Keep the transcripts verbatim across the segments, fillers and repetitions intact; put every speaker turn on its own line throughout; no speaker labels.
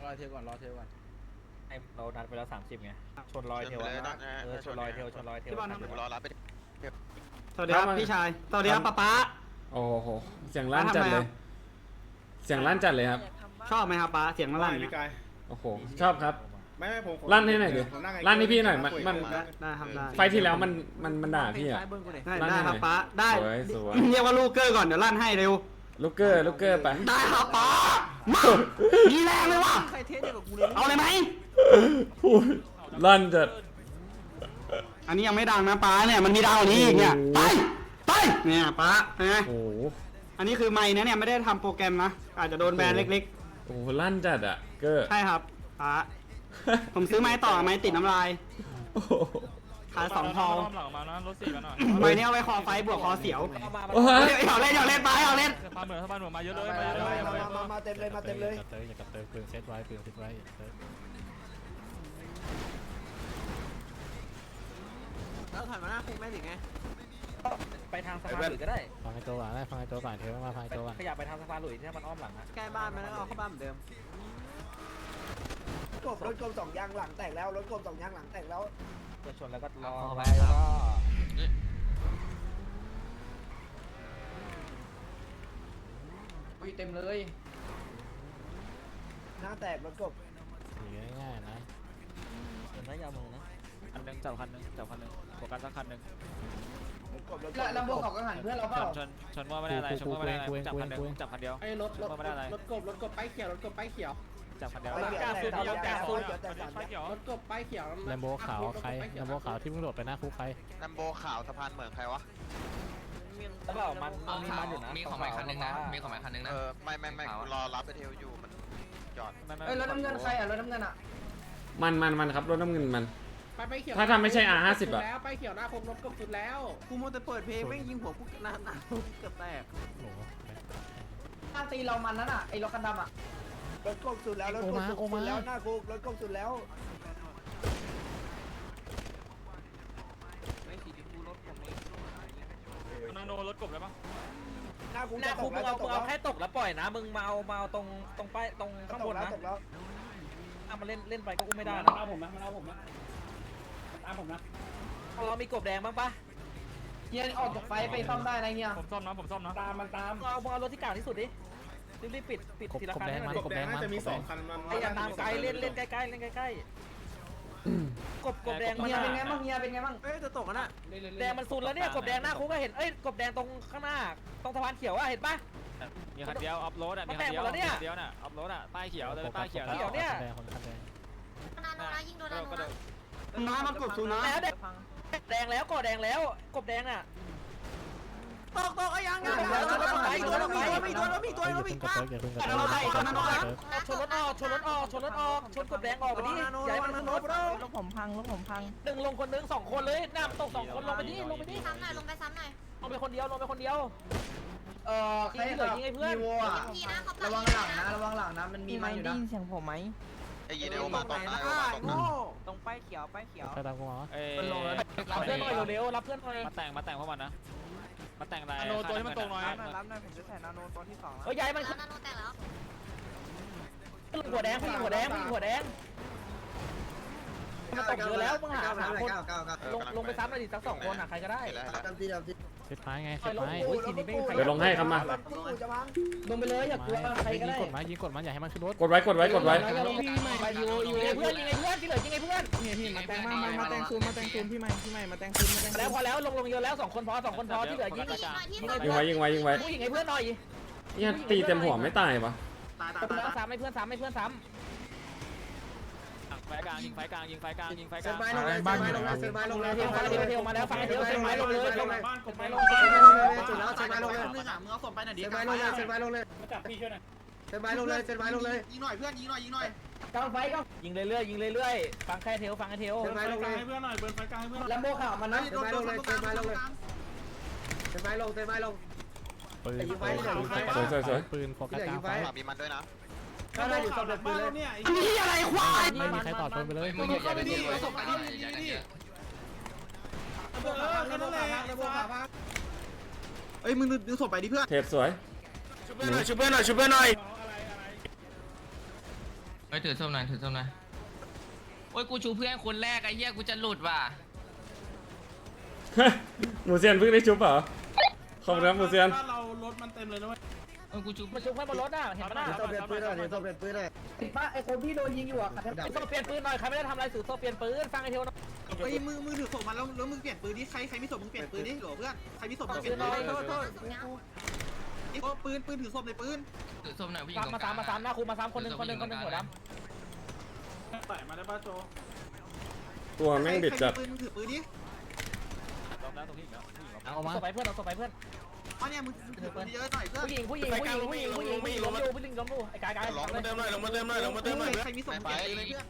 อเทลก่อนรอเทลก่อน
ไอเรานัดไปแล้วสามสิบไงชนรอยเทลเออชนรอยเทลชนรอยเทล
รอรับไป
สวัสดีครับพี่ชายสวัสดีครับป๊าป๊า
โอ้โหเสียงลั่นจัดเลยเสียงลั่นจัดเลยครับ
ชอบไหมครับป๊าเสียงลั่นไหม
โอ้โหชอบครับ
ไม่ไม่ผม
ลั่นให้หน่อยดิลั่นให้พี่หน่อยมันมัน
ได้ครับได้
ไฟที่แล้วมันมันมันด่าพี่อะ
ได้ได้ครับป๊าได้เรียกว่าลูกเกอร์ก่อนเดี๋ยวลั่นให้เร็ว
ลูกเกอร์ลูกเกอร์ไป
ได้ครับป๊ามามีแรงเลยว่ะเอาเลยไหม
ลั่นจัด
อันนี้ยังไม่ดังนะป๊าเนี่ยมันมีดาวนี้อีกเนี่ยไปไปเนี่ยป๊านะ
โอ้
อันนี้คือไม้นะเนี่ยไม่ได้ทำโปรแกรมนะอาจจะโดนแบนเล็ก
ๆโอ้ลั่นจัดอะเกอร์
ใช่ครับป๊าผมซื้อไม้ต่อไม้ติดน้ำลายขายสองทองไม้นี้เอาไว้คอไฟบวกคอเสียวเอาเล่นเอาเล่นไปเอาเล่น
มาเหมือนมาเหมือนมาเยอะเลยมาเยอะเลย
มามาเต็มเลยมาเต็มเลย
อย่ากับเติมปืนเซตไว้ปืนเซตไว้
แล้วถอยมาหน้าคุกแม่ถึงไง
ไปทางสะพานหลุยก็ได้
ฟังไอ้ตัวก่อนได้ฟังไอ้ตัวก่อนเทมาฟังไอ้ตัวก่อน
ขยับไปทางสะพานหลุยที่มันอ้อมหลังนะ
ใกล้บ้านมันแล้วเอาเข้าบ้านเหมือนเดิมกบรถกบสองยางหลังแตกแล้วรถกบสองยางหลังแตกแล้ว
เกิดชนแล้วก็รอไป
แล้วก็อุ้ยเต็มเลยหน้าแตกรถกบ
ง่ายๆนะ
เดินได้ยาวมือนะคันหนึ่งจับคันหนึ่งจับคันหนึ่งโฟกัสสักคันหนึ่ง
แล้วลำโพงเขาก็หันเพื่อนเราเปล่า
ชนชนว่าไม่ได้อะไรชนว่าไม่ได้อะไรจับคันหนึ่งจับคันเดียว
ไอ้รถรถรถกบรถกบป้ายเขียวรถกบป้ายเขียว
จับคันเดียว
รถกบป้ายเขียว
แลมโบขาวใครแลมโบขาวที่มึงโดดไปหน้าคุกใคร
แลมโบขาวสะพานเหมือนใครวะ
แล้วเปล่ามันมีมันอยู่นะ
มีของหมายคันนึงนะมีของหมายคันนึงนะ
เออไม่ไม่ไม่รอรับไปเทลอยู่มันจอด
เอ้ยรถน้ำเงินใครอ่ะรถน้ำเงินอ่ะ
มันมันมันครับรถน้ำเงินมัน
ไปเขียว
ถ้าทำไม่ใช่ อาร์ ห้าสิบ อ่ะ
ไปเขียวหน้าคงรถกบสุดแล้วกูมัวแต่เปิดเพลงไม่ยิงหัวกูนานๆเกือบแตก
โอ้โห
ข้างตีเรามันนั่นอ่ะไอ้รถคันดำอ่ะรถกบสุดแล้วรถกบสุดแล้วหน้าคุกรถกบสุดแล้วไม่สีกูรถผมเอง
นาโนรถกบเลยปะ
หน้าคุก
หน้าคุกมึงเอามึงเอาแค่ตกแล้วปล่อยนะมึงมาเอามาเอาตรงตรงป้ายตรงข้างบนนะถ้ามาเล่นเล่นไปก็อุ้มไม่ได้นะ
เอาผมนะเอาผมนะตามผมนะ
เรามีกบแดงบ้างปะ
เฮียออกจากไฟไปซ่อมได้นะเฮีย
ผมซ่อมนะผมซ่อมนะ
ตามมันตาม
เอาเอารถที่เก่าที่สุดดิรีบๆปิดปิดทีละคันให้มัน
กบแดงมันจะมีสองคัน
มันไอ้อย่างตามไกลเล่นเล่นใกล้ๆเล่นใกล้ๆกบกบแดง
เฮียเป็นไงบ้างเฮียเป็นไงบ้างเอ้ยจะตกกันอ่ะ
แดงมันซุนแล้วเนี่ยกบแดงหน้าคุกก็เห็นเอ้ยกบแดงตรงข้างหน้าตรงสะพานเขียวอ่ะเห็นปะมีคันเดียวอัพโหลดอ่ะมีคันเดียวคันเดียวน่ะอัพโหลดอ่ะป้ายเขียวเลยป้ายเขียวเขียวเนี่ย
นาโนนะยิงโดนนาโนนะ
น้ำมันกดซูนะ
แดงแล้วกบแดงแล้วกบแดงอ่ะ
ตกตกไอ้ยังไงชนรถไปตัวรถไปมีตัวรถมีตัวรถมีป้า
เราไปชนรถออกชนรถออกชนรถออกชนรถออกชนกบแดงออกไปดิใหญ่มันรถ
รถผมพังรถผมพัง
หนึ่งลงคนหนึ่งสองคนเลยน้ำตกสองคนลงไปดิลงไปดิ
ซ้ำหน่อยลงไปซ้ำหน่อย
ลงไปคนเดียวลงไปคนเดียว
เออใครเหลือยิงไอ้เพื่อนระวังหลังนะระวังหลังนะมันมีมันอยู่นะ
เสียงผมไหม
ไอ้ยีเดโอมาตรงนะ
ตรงป้ายเขียวป้ายเขียว
ใครตามกูมา
เอ้ยรับเพื่อนหน่อยเร็วๆรับเพื่อนหน่อยมาแต่งมาแต่งพวกมันนะมาแต่งอะไรนาโนตัวที่มันตรงหน่อย
รับหน่อยผมจะใส่นาโนตัวที่สอง
เฮ้ยใหญ่มัน
นาโนแต่งแล้ว
หัวแดงพี่หัวแดงพี่หัวแดงมันตกเยอะแล้วมึงหาหาคนลงลงไปซ้ำหน่อยดิสักสองคนอ่ะใครก็ได้
เซตไม้ไงเซตไม้
เดี๋ยวลงให้ครับมา
ลงไปเลยอย่ากลัวใครก็ได้
ยิงกดมันยิงกดมันอย่าให้มันขึ้นรถ
กดไว้กดไว้กดไว้
ไปยูยูเพื่อนยิงไงเพื่อนที่เหลือยิงไงเพื่อน
นี่พี่มาแต่งมามาแต่งซูมมาแต่งซูมพี่ใหม่พี่ใหม่มาแต่งซูมมาแต่ง
แล้วพอแล้วลงลงเยอะแล้วสองคนพอสองคนพอที่เหลือยิง
ยิงไว้ยิงไว้ยิงไว้
ยิงไงเพื่อนหน่อย
เนี่ยตีเต็มหัวไม่ตายปะ
ซ้ำให้เพื่อนซ้ำให้เพื่อนซ้ำไฟกลางยิงไฟกลางยิงไฟกลางยิงไฟกลาง
เซนไม้ลงเลยบ้านลงเลยเซนไม้ลงเลย
เทลเทลเทลมาแล้วไฟเทลเซนไม้ลงเลยลงเลยบ้านกดไม้ลงเลย
จุดแล้วเซนไม้ลงเลยมึงเอาศพไปหน่อยดิเซนไม้ลงเลยเซนไม้ลงเลย
มาจับพี่ช่วยหน่อย
เซนไม้ลงเลยเซนไม้ลงเลยยิงหน่อยเพื่อนยิงหน่อยยิงหน่อยกลางไฟก็
ยิงเรื่อยๆยิงเรื่อยๆฟังแค่เทลฟังแค่เทล
เซนไม้ลงเลยให้เพื่อนหน่อยเบิร์นไฟกลางให้เพื่อนแล้วโบข่าวมันนะเซนไม้ลงเลยเซนไม้ลงเลยเซนไม้ลงเซนไม้ลง
ปืน
สวยสวย
ปืนโฟกัสกลางไฟ
มีมันด้วยนะ
ก็ได้อยู่ศพเด็ดปืนเลย
อันนี้อะไรควาย
ไม่มีใครต่อปืนไปเลย
มึงอย่าอย่าไปดีศพไปดิอย่าอย่า
เออแค่นั้นแหละเอ้ยมึงดึงศพไปดิเพื่อน
เทปสวย
ช่วยเพื่อนหน่อยช่วยเพื่อนหน่อยช่วยเพื่อนหน่อย
เฮ้ยถือส้มหน่อยถือส้มหน่อยโอ้ยกูชูเพื่อนคนแรกไอ้เหี้ยกูจะหลุดว่ะ
หมูเซียนเพิ่งได้ชุบเหรอขอบคุณครับหมูเซียน
เรารถมันเต็มเลยนะเว้ย
เออกูชู
มาชุบเพื่อนบนรถอ่ะเห็นปะน่ะ
เดี๋ยวต้องเปลี่ยนปืนหน่อยเดี๋ยวต้องเปลี่ยนปืนหน่อยติดป้าไอ้คนที่โดนยิงอยู่อ่ะ
ถือโซ่เปลี่ยนปืนหน่อยใครไม่ได้ทำอะไรถือโซ่เปลี่ยนปืนฟังไอ้เทวหน่อย
เฮ้ยมือมือถือศพมันแล้วแล้วมึงเปลี่ยนปืนดิใครใครมีศพมึงเปลี่ยนปืนดิโหลเพื่อนใครมีศพมึงเปลี่ยนปืนโทษโทษโอ้ปืนปืนถือศพในปืน
ถือส้มหน่อยผู้หญิง
สาม
ตรง
มา
ก
สา
ลาม ง
มาสามหน้าครูมาสามคนหนึ่งคนหนึ่งคนหนึ่งหัวด
ใส่มาได้ป่ะโจ
ตัวแม่งเด็ดจัด
ปืนถือปืนดิ
เอา
ำ
มา
ส่งไปเพื่อนเอาส่งไปเพื่อน
อ๋อเนี่ยมึงถือปืนเยอะหน่อยเพื่อน
ผู้หญิงผู้หญิงผู้หญิงผู้หญิงผู้หญิงผู้หญิงล้มอยู่ผู้หญิงล้มอยู่ไอ้กายกาย
ลงมาเติมหน่อยลงมา
ใครมีศพมึงเปลี่ยนปืนเลยเพื่อน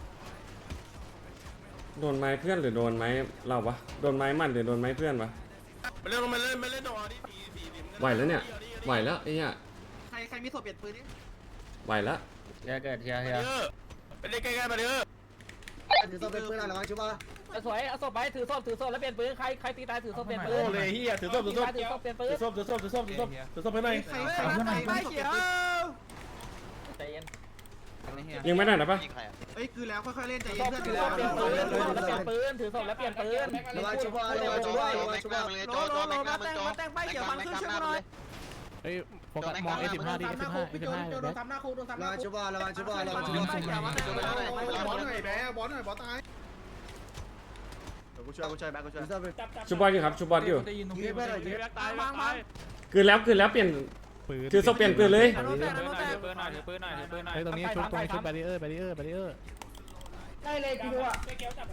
โดนไม้เพื่อนหรือโดนไม้เราวะโดนไม้มันหรือโดนไม้เพื่อนวะ
มาเล่นมาเล่นมาเล่นต่อดิ
ไหวแล้วเนี่ยไหวแล้วไอ้เนี่ย
ใครใครมีศพเปลี่ยนปืนดิ
ไหวแล้ว
เฮียเกิดเฮียเฮีย
ไปเล่นใกล้ๆมาเด้อ
ถือต้องเป็นปืนอะไรวะชิบะ
สวยเอาศพไปถือศพถือศพแล้วเปลี่ยนปืนใครใครตีตายถือศพเปลี่ยนปืน
โอ้เลยเฮียถือศพถือศพ
ถือศพเปลี่ยนปืน
ถือศพถือศพถือศพถือศพถือศพไปหน่อยใครใครใครเขียว
ใจเย็น
ยิงไม่ได้นะปะ
ยิงใครอ่ะ
เฮ้ยคือแล้วค่อยๆเล่นใจ
ถือ
เย็
ศ
น
พ
เพื่อน
ถื
คือ
อศ
แล้ว
พเปลี่ยนปืนถือศพแล้วเปลี่ยนปืนถือศพแล้วเปลี่ยนปืน
ระวังชิบะระวังชิบะระวังชิบะ
โจโจแม็กซ์เลยโจโจแม็กซ์แม็กซ์แม็กซ์เลย
เฮ้ยโฟกัสมองเอสิบห้าดิเอสิบห้าเอสิบห้า
โดนทำหน้าคูโดนทำห
ระ
น้า
วัง
คู
ชิบะระวังชิบะระวังชิบะ
บอลหน่อยแบ๊บอลหน่อยบอลตายกูช่วยกูช่วยแบ๊กูช่วย
ถือต้องเป็น
ชุบบอลอยู่ครับชุบบอลอยู่
ยิงไปหน่อยยิง
ตายตาย
คืนแล้วคืนแล้วเปลี่ยน
ปืน
ถือศพเปลี่ยนปืนเลย
ถือปืนหน่อยถือปืนหน่อยถือปืนหน่อย
เฮ้ยตรงนี้ชุบตรงนี้ชุบแบรีเออร์แบรีเออร์แบรีเออร์
ได้เลยคิวอ่ะ
เฮ้ย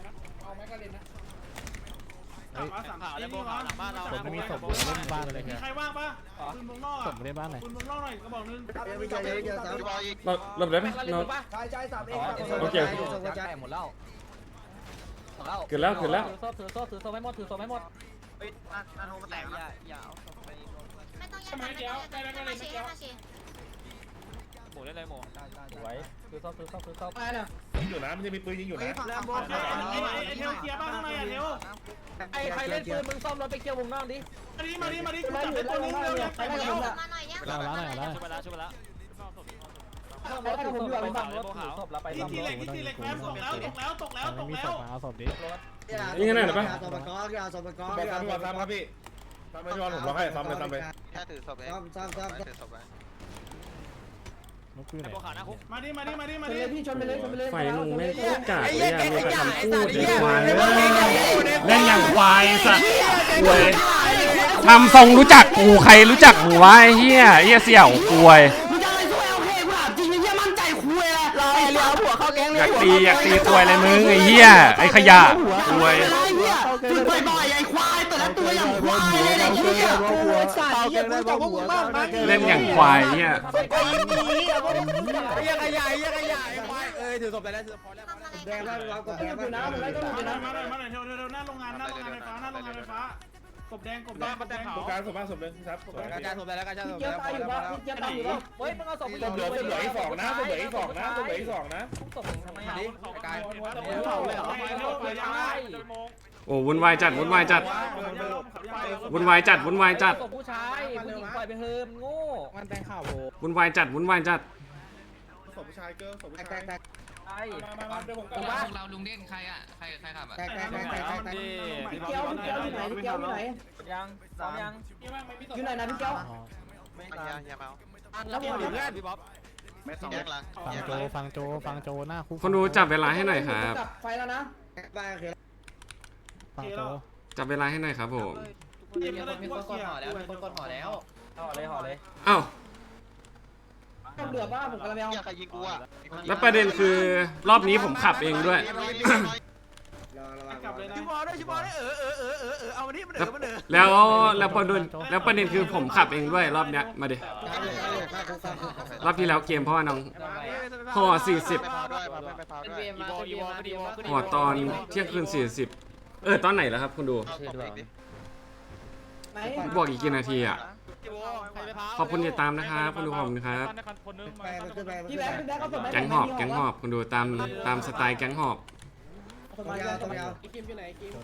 ผมไม่มีศพผมเล่นบ้านเลย
มี
เนี่ย
ใครว่างปะปืนวงนอก
ศพเล่นบ้านไหน
ปืนวงนอกหน่อยกระบอกนึง
ยังไม่ใจเย็นเดี๋ยวสาม
พี่บอยอีก
เราหลบได้ไหม
เราเล่น
เรา
ปืนปะ
ชายชายสามเอง
โอเค
ส่งกระจาย
หมดแล้วหมดแล้ว
คืนแล้วคืนแล้ว
ถือศพถือศพถือศพให้หมดถือศพให้หมด
นาโนมาแตกนะ
ไม่ต้องแย่งกันไม่ต้องแย่งกันมาเชียร์มาเชียร์
หมูได้เลยหมูสวยถือศพถือศพถือศพ
อะไรนะ
อยู่นะมันจะมีปืนยิงอยู่นะแลมโบเทลเกียร์บ้างข้างในอ่ะเทล
ไอ้ใครเล่นปืนมึงซ่อมรถไปเกี่ยววงนอกดิ
มาดิมาดิมาดิกูจับได้ตัวนึงเร็วยังไปหมดแล้ว
มาหน่อยเนี่ย
เราล้างหน่อยล้าง
ช่วยไปแล้วช่วยไปแล้วซ่อมรถถือศพไปฝั่งรถถือศพแล้วไป
ที่
ซ่อม
ที่
ร
เหล็
ถ
กที่เหล็กแป๊บตกแล้วตกแล้วตกแล้วต
ไม่
ก
มี
แล้
ศ
ว
พมาเอาศพดิ
ยิงกันหน่อยได้ปะ
สอบกอร์สอบกอร์
บอกซ้ำบอกซ้ำครับพี่ซ้ำไม่ชอบผมร้องให้ซ้ำเลยซ้ำไป
แค่ถือศพเอง
ซ้ำซ้ำซ้ำ
ถือศพไว้
นกคือไหน
มาดิมาดิมาดิมา
ชน
ดิ
เลยพี่ชนไปเลยชนไปเลย
ไฟมึงไม่โคตรกากเลยอะมีแต่คำพูดไอ้ควายเล่นอย่างควายสัตว์ควยทำทรงรู้จักกูใครรู้จักกูวะไอ้เหี้ยไอ้เหี้ยเสี่ยวควย
มึงจะอะไรช่วยเอาเพลงกูถามจริงไอ้เหี้ยมั่นใจคุยอะไรรอไอ้เลี้ยวหัวเข้าแก๊งเลย
อยากตีอยากตีควยเลยมึงไอ้เหี้ยไอ้ขยะควย
อะไรเหี้ยฝึกบ่อยๆไอ้ควายแต่ละตัวอย่างควายเลยไอ้เหี้ย
สายเยี่ยมจับพวกมึงบ้างนะ
เล่นอย่างควายเนี่ย
เยี่ยขยายเยี่ยขยายควายเอ้ยถือศพไปแล้วถือพอแล้ว
ทำอะไร
แดงแล้วเราก็แดงอยู่นะ
มา
มัน
ห
ก็
น่
อยู่นะ
อยมาหน่อยมาหน่อยเทลเทลหน้าโรงงานหน้าโรงงานไฟฟ้าหน้าโรงงานไฟฟ้ากบแดงกบแดงกบแดงกบการศพบ้านศพเลยครับ
กระจายศพไปแล้วกระจายศพ
เกี่ยว
แล้ว
ตายอยู่ปะเกี่ยวตายอยู่ปะเฮ้ยมึงเอาศพ
ศพเหลือศพเหลืออีกสองนะศพเหลืออีกสองนะศพเหลืออีกสองนะ
ศพทำไมอ่ะ
กาย
เผาเลยเหรอเทลเผายังไง
โอ้วุ่นวายจัดวุ่นวายจัดวุ่นวายจัดวุ่นวายจัด
ศพผู้ชายผู้หญิงปล่อยไปเฮิมโง่
มันแต่งข่าวโบ
วุ่นวายจัดวุ่นวายจัด
ศพผู้ชายเกิร์ลศพผู้
แต
ชาย
กแตก
ไอ้
มามามาเดี๋ยวผม
พ
ก
ว
ลั
ก
บ
เราลุงเด่นใครอ่ะใครใครขับอ่ะ
แตกแตกแตกแตกแตก
พี่เกียวพี่เกียวอยู่ไหนพี่เกียวอยู่ไหนยังซ้อมยัง
อยู่ไหนนะพี่เจ้า
เฮียเฮียเมา
แล้วหมดเพื่อนพี่บ๊อบ
แยกหลัง
ฟัง
แยก
โจ
หลัง
ฟังโจฟังโจหน้าคุก
คนดูจับเวลาให้หน่อยครับ
ไฟแล้วนะไปโอเค
ฟังโจ
จับเวลาให้หน่อยครับผม
มีคนกดห่อแล้วมีคนกดห่อแล้ว
ห่อเลยห่อเลย
อ้าว
ต้องเดือดบ้าผมกำลังไปเอา
เฮียใครยิงกูอ่ะ
แล้วประเด็นคือรอบนี้ผมขับเองด้วย
กลับเลยนะ
ชิบอด้วยชิบอด้วยเออเออเออเออเออเอามาดิมันเออมันเออ
แล้วแล้วประเด็นแล้วประเด็นคือผมขับเองด้วยรอบเนี้ยมาดิรอบที่แล้วเกมเพราะว่าน้องห่อสี่สิบ
ไปพาวด้วยไปพาวด้วย
อีวออีวออีวอ
ห่อตอนเที่ยงคืนสี่สิบเออตอนไหนแล้วครับคุณดู
เอาศพเองดิ
ไหน
บอกอีกกี่นาทีอ่ะขอบคุณที่ตามนะครับคุณดูขอบคุณครับ
ไปมันขึ้นไปพี่แบ๊กพี่แบ๊กเขาสมัย
แก๊งหอบแก๊งหอบคุณดูตามตามสไตล์แก๊งหอบ
สมัยยาวสมัยยาว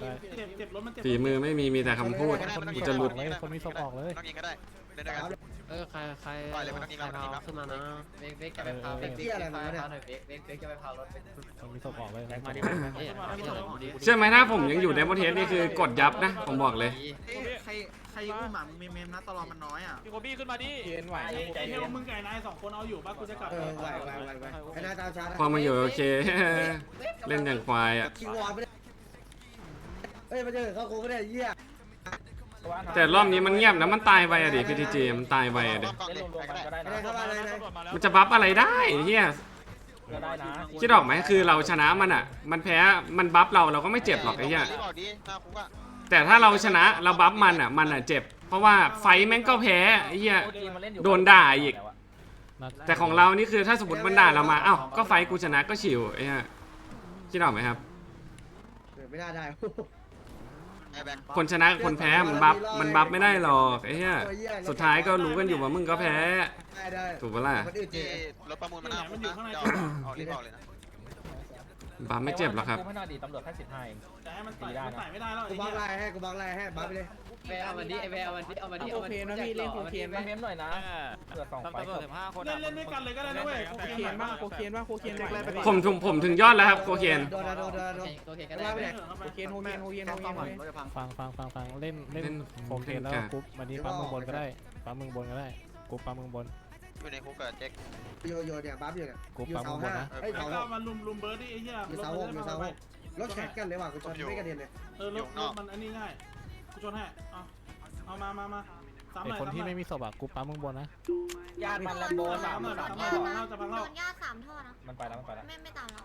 เจ็บเจ็บรถมันเจ็บ
ฝีมือไม่มีมีแต่คำพูดกูจะหลุด
เลยคนมีศพออกเลย
ต้องยิงก็ได้เล่นด้วยกัน
เออใครใคร
ปล่อยเลยมันต้องมี
ใคร
มันต้องมี
เอาขึ้นมานะ
เบกเบกจะไปพาเบกเบกจะไปพาหน่อยเบกเบกเบกจะไปพารถ
มันมีศพออกเลย
มาดิ
เชื่อไหมถ้าผมยังอยู่ในประเทศนี่คือกดยับนะผมบอกเลย
ใครใครอุ้มหมามึงเมมนะตลอดมันน้อยอ่ะ
พี่โคบี้ขึ้นมาดิ
เย็นไหว
ใจเย็น
มึงไก่นายสองคนเอาอยู่ป่ะกูจะกลับ
เออไหวไหวไหวไหวไอ้นายตามช้า
พอมาอยู่โอเค เล่นอย่างควายอ่ะ
คิงวอลไม่ได้เอ้ยมาเจอเขาโค้งไม่ได้เยี่ย
แต่รอบนี้มันเงียบนะมันตายไปอะดิพีทีจีมันตายไปอะดิ
กอง
เล่น
เด็ก
รวม
ใคร
ๆ
ก็
กัน
ได้
ก็ได้นะ
เข้ามาเลยนะ
มันจะบัฟอะไรได้เฮีย
ก็ได้นะ
คิดออกไหมคือเราชนะมันอ่ะ มันแพ้มันบัฟเราเราก็ไม่เจ็บหรอกไอ้เหี้ย
รีบบอกดิหน้าคุกอะ
แต่ถ้าเราชนะเราบัฟมันอ่ะมันอ่ะเจ็บ เพราะว่าไฟท์แม่งก็แพ้ไอ้เหี้ย โดนด่าอีก แต่ของเรานี่คือถ้าสมมติมันด่าเรามาเอ้าก็ไฟท์กูชนะก็ชิวไอ้เหี้ยคิดออกไหมครับ
ไม่น่าได้
ไอ้แบ็ค
คนชนะกับคนแพ้มันบัฟมันบัฟไม่ได้หรอกไอ้เหี้ยสุดท้ายก็รู้กันอยู่ว่ามึงก็แพ้
ได้ได้
ถูกปะล่ะ
มันอื่นเจ
ที่รถประมูลมาหน้าคุกนะเดี๋ยวเอารีบบอกเลยนะ
บัฟไม่เจ็บหรอกครับ
ไม่น่าดีตำรวจแค่สิบห้าเอง
แต่ให้มันใส่มันใส่ไม่ได้แล้ว
กูบล็อกไลน์ให้กูบล็อกไลน์ให้บัฟไปเลย
แวเอาวันนี้ไอแวเอาวันนี้เอาวันนี้
โอเคนะพี่เล่นโอเค
เมมหน่อยนะเผื่อสองไฟ
เล่นเล่นด้วยกันเลยก็ได้นะเว้ย
โคเคนบ้างโคเคนบ้างโคเคนไหวไหม
ผมถึงผมถึงยอดแล้วครับโคเคน
โดนโดนโดนโดน
โอเคก็ได้
โคเคนโคเคนโคเคนโคเคนฟังฟังฟังฟังเล่นเล่นโคเคนแล้วกรุ๊ปวันนี้ปั๊มมึงบนก็ได้ปั๊มมึงบนก็ได้กรุ๊ปปั๊มมึงบน
อยู่ในคุกกับเจ๊ก
โยโย่เนี่ยบัฟอยู่เนี่ย
กรุ๊ป
อยู่
ปั๊ม
เสา
มึงบน
ห้า
นะ
เอ้ยเสาหก
มันลุมลุมเบิร์ดดิไอ้เหี้ย
อยู่เสาหกอยู่เสาหกรถแข่งกันเลยว่ะกูชนไม่กระเด็นเลย
เออรถรถมันอันนี้ง่ายกูชนให้เอาเอามามามาสามห
ไอ
น่อย
คนที่ไม่มีศพอ่ะกรุ๊ปปั๊มมึงบนนะ
ญาติมันแลมโบ
สา
สาม ม
หน่อย
สาม
สาม
ท่อ
หน่อยจะพัง
โด
แล้ว
นญาติสามท่อนะ
มันไปแล้วมันไปแล้ว
ไม่ไม่ตามเรา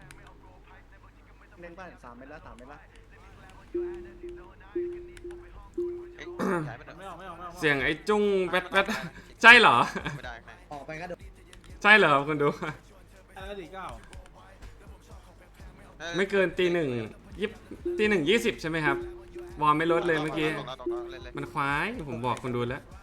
เล่นบ้านสามเมตรแล้วสามเมตรแล้ว
เอ้ยย้ายไปหน่อย
ไม่ออกไม่ออกไม่ออก
เสียงไอ้จุ้งแป๊ดแป๊ดใช่เหรอ
ไม่ได้ไหม
ออกไปก็โดน
ใช่เหรอครับคุณดู
อะไรดีเก้า
ไม่เกินตีหนึ่งยี่ตีหนึ่งยี่สิบใช่ไหมครับวอร์มไม่ลดเลยเมื่อกี้
ตกแล้วตกแล้วเล่นเลย
มันควายผมบอกคุณดูแล้ว
เ